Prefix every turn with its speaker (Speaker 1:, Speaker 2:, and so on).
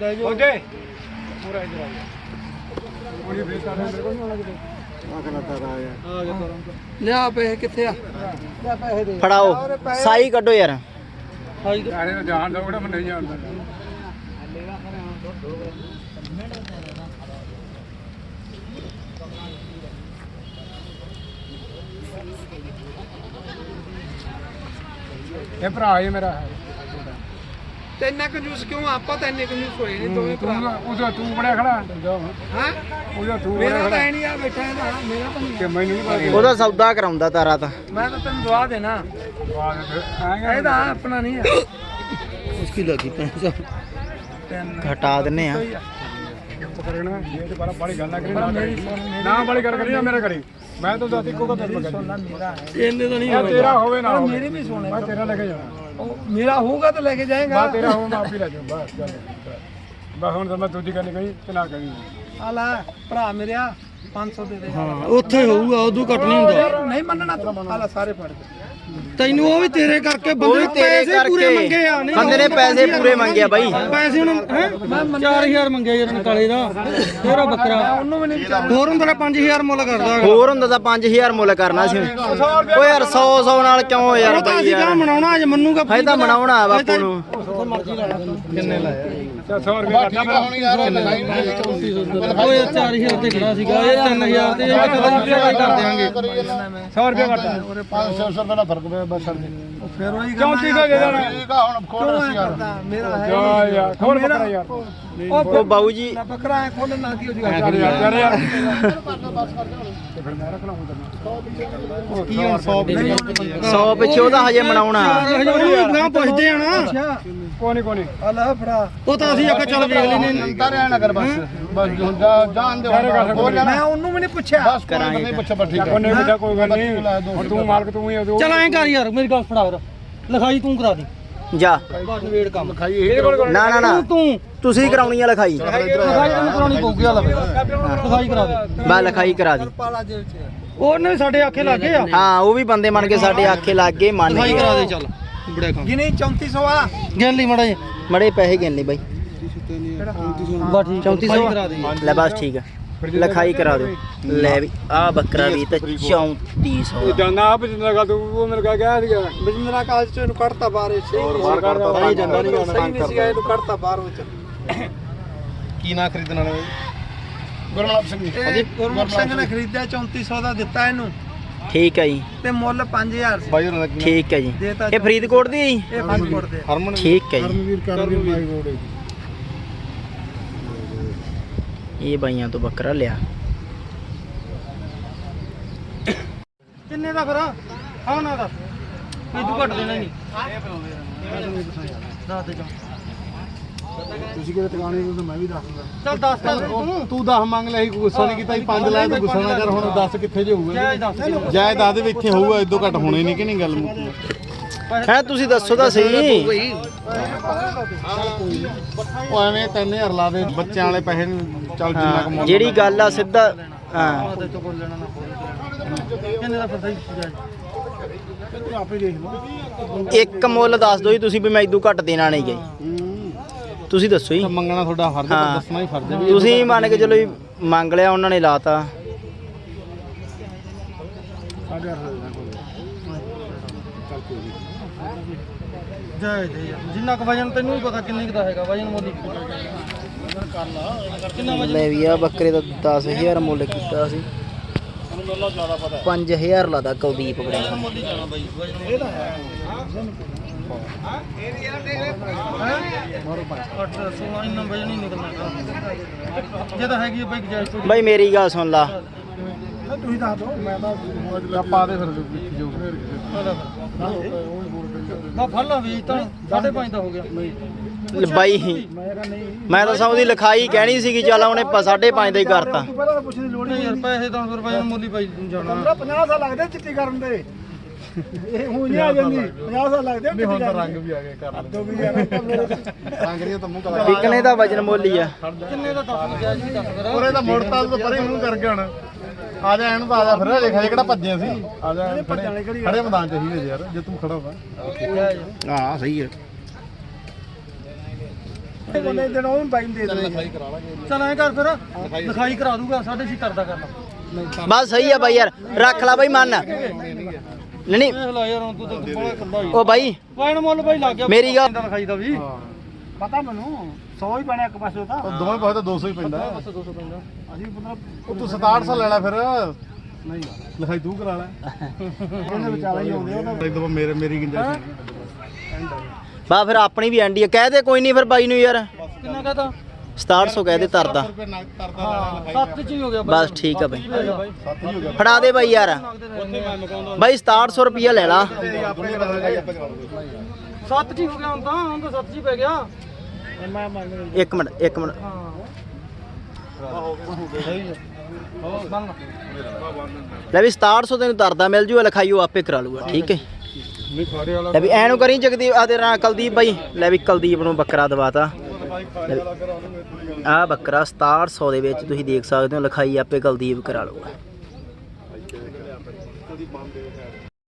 Speaker 1: ਲੈ ਜਾਓ
Speaker 2: ਉਹਦੇ ਪੂਰਾ ਇਧਰ ਆ ਗਿਆ ਕੋਈ ਬੇਸ ਆ ਮੇਰੇ ਕੋਲ ਨਹੀਂ ਆਉਣਾ ਕਿਤੇ ਆ ਗਿਆ
Speaker 1: ਲਿਆ ਪੈਸੇ ਕਿੱਥੇ ਆ ਲਿਆ ਪੈਸੇ ਦੇ
Speaker 3: ਫੜਾਓ ਸਾਈ ਕੱਢੋ ਯਾਰ
Speaker 2: ਯਾਰੇ ਨੂੰ ਜਾਣ ਦੋ ਕਿਹੜਾ ਮੈਂ ਨਹੀਂ ਜਾਣਦਾ ਇਹ ਭਰਾ ਹੀ ਮੇਰਾ ਹੈ
Speaker 1: ਤੇ ਇੰਨਾ ਕੰਜੂਸ ਕਿਉਂ ਆਪਾਂ ਤਾਂ ਇੰਨੇ ਕੰਜੂਸ ਹੋਏ ਨਹੀਂ ਦੋਵੇਂ ਭਰਾ
Speaker 2: ਉਹਦਾ ਤੂੰ ਬੜਿਆ ਖੜਾ
Speaker 1: ਹਾਂ
Speaker 2: ਉਹਦਾ ਤੂੰ
Speaker 1: ਮੇਰਾ ਤਾਂ ਐ ਨਹੀਂ ਆ ਬੈਠਾ ਹੈ ਨਾ ਮੇਰਾ ਤਾਂ ਨਹੀਂ
Speaker 2: ਕਿ ਮੈਨੂੰ ਨਹੀਂ ਪਤਾ
Speaker 3: ਉਹਦਾ ਸੌਦਾ ਕਰਾਉਂਦਾ ਤਾਰਾ ਤਾਂ
Speaker 1: ਮੈਂ ਤਾਂ ਤੈਨੂੰ ਦਵਾ ਦੇਣਾ ਇਹਦਾ ਆਪਣਾ ਨਹੀਂ ਆ
Speaker 3: ਉਸकी ਲੱਗੀ 500
Speaker 1: ਤਿੰਨ
Speaker 3: ਘਟਾ ਦਿੰਨੇ ਆ
Speaker 2: ਕਰਨਾ ਇਹ ਤੇ ਬੜੀ ਗੱਲ ਨਾ ਕਰੀ ਨਾ ਬੜੀ ਗੱਲ ਕਰੀ ਨਾ ਮੇਰਾ ਕਰੀ ਮੈਂ ਤਾਂ ਦੱਸ ਇੱਕੋ ਗੱਲ
Speaker 1: ਸੋਨਾ ਮੇਰਾ ਹੈ
Speaker 3: ਇਹਨੇ ਤਾਂ ਨਹੀਂ
Speaker 2: ਤੇਰਾ ਹੋਵੇ ਨਾ
Speaker 1: ਮੇਰੇ ਵੀ ਸੋਨੇ
Speaker 2: ਮੈਂ ਤੇਰਾ ਲੈ ਕੇ ਜਾਣਾ
Speaker 1: ਉਹ ਮੇਰਾ ਹੋਊਗਾ ਤਾਂ ਲੈ ਕੇ ਜਾਏਗਾ
Speaker 2: ਬਾ ਤੇਰਾ ਹੋਵੇ ਮੈਂ ਆਪ ਹੀ ਲੈ ਜਾਊਂ ਬਸ ਚੱਲ ਬਸ ਹੁਣ ਤਾਂ ਮੈਂ ਦੂਜੀ ਗੱਲ ਕਹੀ ਤੇ ਨਾ ਕਹੀ
Speaker 1: ਆ ਲੈ ਭਰਾ ਮੇਰਿਆ 500 ਦੇ ਦੇ
Speaker 3: ਹਾਂ ਉੱਥੇ ਹੋਊਗਾ ਉਦੋਂ ਘਟ ਨਹੀਂ ਹੁੰਦਾ
Speaker 1: ਨਹੀਂ ਮੰਨਣਾ ਤੂੰ ਆ ਲੈ ਸਾਰੇ ਫੜ ਕੇ
Speaker 3: ਤੈਨੂੰ ਉਹ ਵੀ ਤੇਰੇ ਕਰਕੇ ਬੰਦੇ ਪੈਸੇ ਪੂਰੇ ਮੰਗੇ ਆ ਨਹੀਂ ਬੰਦੇ ਨੇ ਪੈਸੇ ਪੂਰੇ ਮੰਗੇ ਆ ਬਾਈ ਪੈਸੇ ਹੁਣ ਹੈ 4000 ਮੰਗਿਆ ਯਾਰ ਨਕਾਲੇ ਦਾ ਤੇਰਾ ਬੱਕਰਾ
Speaker 1: ਉਹਨੂੰ ਵੀ ਨਹੀਂ ਵਿਚਾਰ
Speaker 3: ਹੋਰ ਹੁੰਦਾ ਤਾਂ 5000 ਮੁੱਲ ਕਰਦਾ ਹੋਰ ਹੁੰਦਾ ਤਾਂ 5000 ਮੁੱਲ ਕਰਨਾ ਸੀ ਓ ਯਾਰ 100 ਨਾਲ ਕਿਉਂ ਯਾਰ ਬਾਈ ਯਾਰ ਮਨਾਉਣਾ ਅੱਜ ਮੰਨੂਗਾ ਫਾਇਦਾ ਤਾਂ ਮਨਾਉਣਾ ਆ ਬਾਪੂ ਨੂੰ ਕਿੰਨੇ ਲਾਇਆ
Speaker 2: 100 ਰੁਪਏ ਘਟਾ
Speaker 3: ਓਏ 4000 ਤੇ ਖੜਾ ਸੀਗਾ ਇਹ 3000 ਤੇ ਇਹ ਕਦੋਂ ਕਰ ਦੇਾਂਗੇ
Speaker 2: 100 ਰੁਪਏ ਘਟਾ
Speaker 4: 500 ਰੁਪਏ ਦਾ ਫਰਕ ਪਿਆ ਬਸ
Speaker 1: ਫਿਰ ਉਹੀ
Speaker 2: ਕਿਉਂ ਚੀਜ਼ਾਂ ਦੇ ਦੇਣਾ
Speaker 4: ਠੀਕ ਆ ਹੁਣ ਖੋਲ ਅਸੀਂ ਯਾਰ
Speaker 1: ਮੇਰਾ ਹੈ
Speaker 2: ਜਾ ਯਾਰ ਖੋਲ ਬੱਕਰਾ ਯਾਰ
Speaker 3: ਉਹ ਬਾਊ ਜੀ
Speaker 1: ਬੱਕਰਾ ਖੋਲਣ ਨਾ ਕੀ ਹੋ ਜੂਗਾ
Speaker 2: ਯਾਰ
Speaker 4: ਤੇ
Speaker 2: ਫਿਰ ਮੈਂ ਰੱਖਣਾ ਹੁੰਦਾ
Speaker 4: ਕੀ ਹੁਣ
Speaker 3: 100 ਪਿੱਛੇ ਉਹਦਾ ਹਜੇ ਮਨਾਉਣਾ ਉਹਨੂੰ ਪੁੱਛਦੇ ਆ ਨਾ
Speaker 2: ਕੋਣੀ
Speaker 1: ਆ ਲੈ ਫੜਾ
Speaker 3: ਉਹ ਤਾਂ ਅਸੀਂ ਆਖਿਆ ਚੱਲ ਵੇਖ ਲੈਨੇ
Speaker 4: ਤਾਰਿਆ ਨਾ ਕਰ ਬਸ ਬਸ ਹੁਣ ਜਾਣ ਦੇ ਹੋਰ
Speaker 1: ਮੈਂ ਉਹਨੂੰ ਵੀ ਨਹੀਂ ਪੁੱਛਿਆ
Speaker 4: ਬਸ ਕਰਾਂਗੇ ਨਹੀਂ ਪੁੱਛਿਆ ਬਸ ਠੀਕ ਹੈ
Speaker 2: ਕੋਨੇ ਵਿੱਚ ਕੋਈ ਗੱਲ ਨਹੀਂ ਹੁਣ ਤੂੰ ਮਾਲਕ ਤੂੰ ਹੀ ਆ
Speaker 3: ਚੱਲ ਐਂ ਕਰ ਯਾਰ ਮੇਰੀ ਗੱਲ ਫੜਾ ਲਿਖਾਈ ਤੂੰ ਕਰਾ ਦੀ ਜਾ ਨਵੇੜ ਕੰਮ ਨਾ ਤੁਸੀਂ ਕਰਾਉਣੀ ਆ ਲਿਖਾਈ
Speaker 1: ਤੈਨੂੰ ਕਰਾਉਣੀ ਪਊਗੀ ਆ ਲੈ
Speaker 3: ਲਿਖਾਈ ਕਰਾ ਦੇ ਬਾ ਲਿਖਾਈ ਕਰਾ ਦੀ
Speaker 1: ਪਾਲਾ ਜੇਬ ਚ
Speaker 3: ਉਹਨੇ ਸਾਡੇ ਆਖੇ ਲੱਗ ਗਏ ਆ ਹਾਂ ਉਹ ਵੀ ਬੰਦੇ ਮੰਨ ਕੇ ਸਾਡੇ ਆਖੇ ਲੱਗ ਗਏ ਮੰਨ ਲਿਖਾਈ ਕਰਾ ਦੇ ਚੱਲ ਬੜੇ ਕੰਮ
Speaker 1: ਗਿਣੀ 3400 ਆ
Speaker 3: ਗਿਣ ਲਈ ਮੜੇ ਪੈਸੇ ਗਿਣ ਲਈ ਬਾਈ ਬਾ ਠੀਕ 3400 ਕਰਾ ਦੇ ਲੈ ਬਸ ਠੀਕ ਆ ਲਿਖਾਈ ਕਰਾ ਦਿਓ ਲੈ ਵੀ ਆ ਬੱਕਰਾ ਵੀ ਤਾਂ 3400
Speaker 2: ਜਾਨਾ ਆਪ ਜਿੰਦਾ ਗੱਲ ਤੂੰ ਉਹ ਮੇਰੇ ਕਾ ਗਿਆ ਸੀਗਾ
Speaker 1: ਬਿਜਨਰਾ ਕਾਲਜ ਚ ਇਹਨੂੰ ਕੱਢਤਾ ਬਾਹਰ
Speaker 4: ਬਾਹਰ ਕੱਢਤਾ
Speaker 1: ਸਹੀ ਜਾਂਦਾ ਨਹੀਂ ਸਹੀ ਨਹੀਂ ਸੀਗਾ ਇਹਨੂੰ ਕੱਢਤਾ ਬਾਹਰ ਵਿੱਚ
Speaker 4: ਕੀ ਨਾ ਖਰੀਦਣ ਵਾਲੇ ਗੁਰਮੁਖ ਸਿੰਘ ਜੀ
Speaker 1: ਇਹ ਗੁਰਮੁਖ ਸਿੰਘ ਨੇ ਖਰੀਦਿਆ 3400 ਦਾ ਦਿੱਤਾ ਇਹਨੂੰ
Speaker 3: ਠੀਕ ਹੈ ਜੀ
Speaker 1: ਤੇ ਮੁੱਲ 5000 ਸੀ
Speaker 4: ਬਾਈ ਉਹਨਾਂ ਦਾ
Speaker 3: ਠੀਕ ਹੈ ਜੀ ਇਹ ਫਰੀਦਕੋਟ ਦੀ ਹੈ ਜੀ
Speaker 1: ਇਹ ਫਰੀਦਕੋਟ ਦੇ
Speaker 4: ਹਰਮਨ
Speaker 3: ਠੀਕ ਹੈ ਜੀ
Speaker 4: ਕਰਮਵੀਰ ਮਾਈ ਰੋਡ
Speaker 3: ਇਹ ਬਾਈਆਂ ਤੋਂ ਬੱਕਰਾ ਲਿਆ
Speaker 1: ਕਿੰਨੇ ਦਾ ਫਿਰ ਹਾਂ ਨਾ ਦਾ
Speaker 3: ਤੂੰ ਘੱਟ ਦੇਣਾ ਨਹੀਂ
Speaker 1: ਦੱਸ ਦੇ ਜਾ
Speaker 4: ਤੁਸੀਂ ਕਿਹੜੇ ਟਿਕਾਣੇ ਨੂੰ ਮੈਂ ਵੀ ਦੱਸਦਾ
Speaker 1: ਚੱਲ ਦੱਸ ਤਾਂ
Speaker 4: ਤੂੰ 10 ਮੰਗ ਲਿਆ ਸੀ ਗੁੱਸਾ ਨਹੀਂ ਕੀਤਾ ਸੀ 5 ਲਾਇਆ ਤੂੰ ਗੁੱਸਾ ਨਾ ਕਰ ਹੁਣ 10 ਕਿੱਥੇ ਜੇ ਹੋਊਗਾ ਜਾਇ ਦੱਸ ਦੇ ਵੀ ਇੱਥੇ ਹੋਊਗਾ ਇਦੋਂ ਘੱਟ ਹੋਣੇ ਨਹੀਂ ਕਿ ਨਹੀਂ ਗੱਲ ਮੁੱਕੀ
Speaker 3: ਹੈ ਤੁਸੀਂ ਦੱਸੋ ਤਾਂ ਸਹੀ
Speaker 4: ਉਹ ਐਵੇਂ 3000 ਲਾ ਦੇ ਬੱਚਿਆਂ ਵਾਲੇ ਪੈਸੇ ਨੂੰ ਚੱਲ ਜਿੰਨਾ ਕਮਾਉਂਦਾ
Speaker 3: ਜਿਹੜੀ ਗੱਲ ਆ ਸਿੱਧਾ ਹਾਂ
Speaker 1: ਕਿੰਨੇ ਦਾ ਫਿਰ ਸਹੀ
Speaker 4: ਤੂੰ ਆਪੇ ਦੇਖ ਲਓ
Speaker 3: ਇੱਕ ਮੁੱਲ ਦੱਸ ਦਿਓ ਜੀ ਤੁਸੀਂ ਵੀ ਮੈਂ ਇਦੋਂ ਘੱਟ ਦੇਣਾ ਨਹੀਂ ਗਈ ਤੁਸੀਂ ਦੱਸੋ ਜੀ
Speaker 4: ਮੰਗਣਾ ਤੁਹਾਡਾ ਫਰਜ਼ ਹੈ ਦੱਸਣਾ ਹੀ ਫਰਜ਼ ਹੈ ਵੀ
Speaker 3: ਤੁਸੀਂ ਮੰਨ ਕੇ ਚਲੋ ਜੀ ਮੰਗ ਲਿਆ ਉਹਨਾਂ ਨੇ ਲਾਤਾ
Speaker 1: ਜਾਇ ਦੇ ਜਿੰਨਾ ਕੁ ਵਜਨ ਤੈਨੂੰ ਵੀ ਪਤਾ ਕਿੰਨੇ ਕੁ ਦਾ ਹੈਗਾ ਵਜਨ ਮੋਦੀ ਕਿੰਨਾ ਵਜਨ
Speaker 3: ਲੈ ਵੀ ਆ ਬੱਕਰੇ ਦਾ 10000 ਮੁੱਲ ਕੀਤਾ ਸੀ 5000 ਲਾਦਾ ਕੁਲਦੀਪ ਬੜੇ
Speaker 1: ਮੋਦੀ ਜਾਣਾ ਬਾਈ ਵਜਨ ਇਹਦਾ ਹੈ ਇੰਨਾ ਵਜਨ ਨਹੀਂ ਨਿਕਲਣਾ ਜੇ ਤਾਂ ਹੈਗੀ ਬਾਈ ਜਾਇ
Speaker 3: ਬਾਈ ਮੇਰੀ ਗੱਲ ਸੁਣ ਲਾ
Speaker 1: ਤੁਸੀਂ ਦੱਸ ਦਿਓ ਮੈਂ ਤਾਂ
Speaker 4: ਪਾ ਦੇ ਫਿਰ ਜੋ
Speaker 1: ਨਾ ਫੜ ਲਾ ਵੀ ਤਾਂ 5.5 ਦਾ ਹੋ ਗਿਆ
Speaker 3: ਬਾਈ ਮੈਂ ਤਾਂ ਸਭ ਦੀ ਲਿਖਾਈ ਕਹਿਣੀ ਸੀਗੀ ਚੱਲ ਉਹਨੇ 5.5 ਦਾ ਹੀ ਕਰਤਾ
Speaker 1: ਤੂੰ ਪਹਿਲਾਂ ਤਾਂ ਪੁੱਛਣ ਦੀ ਲੋੜ ਨਹੀਂ ਯਾਰ ਪੈਸੇ ਤਾਂ ਰੁਪਏ ਮੁੱਲ ਹੀ ਪਾਈ ਜਾਣਾ 50 ਸਾਲ ਲੱਗਦੇ ਚਿੱਟੀ ਕਰਨ ਦੇ ਇਹ ਹੁਣ ਨਹੀਂ ਆ ਜਾਂਦੀ 50 ਸਾਲ ਲੱਗਦੇ
Speaker 4: ਨਹੀਂ ਹੁਣ ਤਾਂ ਰੰਗ ਵੀ ਆ ਗਏ ਕਰ
Speaker 1: ਦੋ ਵੀ ਯਾਰ
Speaker 4: ਰੰਗ ਰੀਆ ਤਾਂ ਮੂੰਹ ਕਲਾ
Speaker 3: ਵਿਕਣੇ ਦਾ ਵਜਨ ਮੁੱਲ ਹੀ ਆ
Speaker 1: ਕਿੰਨੇ ਦਾ ਦੱਸ ਗਿਆ ਜੀ ਦੱਸ ਕਰ
Speaker 4: ਉਹਰੇ ਤਾਂ ਮੋੜਤਾ ਤੋਂ ਪਰੇ ਮੂੰਹ ਕਰਕੇ ਹੁਣ ਆ ਜਾ ਇਹਨੂੰ ਤਾਂ ਆ ਜਾ ਫਿਰ ਦੇਖ ਹਜੇ ਕਿਹੜਾ ਭੱਜੇ ਸੀ ਆ ਜਾ ਖੜੇ ਮੈਦਾਨ ਚ ਹੀ ਯਾਰ ਜੇ ਤੂੰ ਖੜਾ ਹੋਗਾ ਹਾਂ ਸਹੀ ਹੈ
Speaker 1: ਬੰਦੇ ਦਿਨ ਉਹਨੂੰ ਬਾਈ ਨੂੰ ਦੇ ਦੇ
Speaker 2: ਚਲ ਐ ਕਰ ਫਿਰ ਲਿਖਾਈ ਕਰਾ ਦੂਗਾ 6.5 ਕਰਦਾ ਕਰਨਾ
Speaker 3: ਬਸ ਸਹੀ ਆ ਬਾਈ ਯਾਰ ਰੱਖ ਲੈ ਬਾਈ ਮੰਨ ਨਹੀਂ
Speaker 2: ਇਹ ਲਾ ਯਾਰ ਹੁਣ ਤੂੰ ਤਾਂ ਬੜਾ ਖੱਬਾ ਹੀ
Speaker 3: ਉਹ ਬਾਈ
Speaker 2: ਵਾਇਨ ਮੁੱਲ ਬਾਈ ਲੱਗ ਗਿਆ
Speaker 3: ਮੇਰੀ ਗੱਲ
Speaker 2: ਲਿਖਾਈ ਦਾ ਵੀ
Speaker 1: ਪਤਾ ਮੈਨੂੰ 100 ਹੀ ਪੈਣਾ ਇੱਕ ਪਾਸੇ ਤਾਂ
Speaker 4: ਉਹ ਦੋਵੇਂ ਪਾਸੇ ਤਾਂ 200 ਹੀ ਪੈਂਦਾ
Speaker 2: ਬਸ 200 ਪੈਂਦਾ
Speaker 1: ਅਸੀਂ ਮਤਲਬ
Speaker 4: ਉਹ ਤੂੰ 6700 ਲੈ ਲੈ ਫਿਰ
Speaker 1: ਨਹੀਂ
Speaker 4: ਲਿਖਾਈ ਤੂੰ ਕਰਾ ਲੈ
Speaker 1: ਇਹਦੇ ਵਿਚਾਲੇ ਹੀ ਆਉਂਦੇ ਉਹ ਤਾਂ
Speaker 4: ਇੱਕ ਦਫਾ ਮੇਰੀ ਗੁੰਜਾਇਸ਼
Speaker 3: ਬਾ ਫਿਰ ਆਪਣੀ ਵੀ ਐਂਡੀ ਆ ਕਹਿ ਦੇ ਕੋਈ ਨਹੀਂ ਫਿਰ ਬਾਈ ਨੂੰ ਯਾਰ
Speaker 2: ਕਿੰਨਾ ਕਹਤਾ
Speaker 3: 6700 ਕਹਿ ਦੇ ਤਰਦਾ
Speaker 2: ਹਾਂ 7 ਚ ਹੀ ਹੋ ਗਿਆ ਬਾਈ
Speaker 3: ਬਸ ਠੀਕ ਆ ਬਾਈ
Speaker 4: 7 ਹੀ ਹੋ ਗਿਆ
Speaker 3: ਫੜਾ ਦੇ ਬਾਈ ਯਾਰ
Speaker 2: ਉੱਥੇ ਮੈਂ ਮਕਾਉਂਦਾ
Speaker 3: ਬਾਈ 6700 ਰੁਪਿਆ ਲੈ ਲਾ
Speaker 2: 7 ਚ ਹੀ ਹੋ ਗਿਆ ਹੁਣ ਤਾਂ 7 ਚ ਹੀ ਪੈ ਗਿਆ
Speaker 1: ਮੈਂ ਮੰਨ
Speaker 3: ਇੱਕ ਮਿੰਟ
Speaker 2: ਹਾਂ ਮੰਨ
Speaker 3: ਲੈ ਵੀ 6700 ਤੈਨੂੰ ਤਰਦਾ ਮਿਲ ਜੂਗਾ ਲਿਖਾਈ ਉਹ ਆਪੇ ਕਰਾ ਲੂਗਾ ਠੀਕ ਹੈ
Speaker 4: ਨਹੀਂ ਖਾੜੇ ਵਾਲਾ
Speaker 3: ਲੈ ਵੀ ਐਨੂੰ ਕਰੀ ਜਗਦੀਪ ਆ ਤੇਰਾ ਕੁਲਦੀਪ ਬਾਈ ਲੈ ਵੀ ਕੁਲਦੀਪ ਨੂੰ ਬੱਕਰਾ ਦਵਾਤਾ ਆ ਬੱਕਰਾ 6700 ਦੇ ਵਿੱਚ ਤੁਸੀਂ ਦੇਖ ਸਕਦੇ ਹੋ ਲਿਖਾਈ ਆਪੇ ਕੁਲਦੀਪ ਕਰਾ ਲੂਗਾ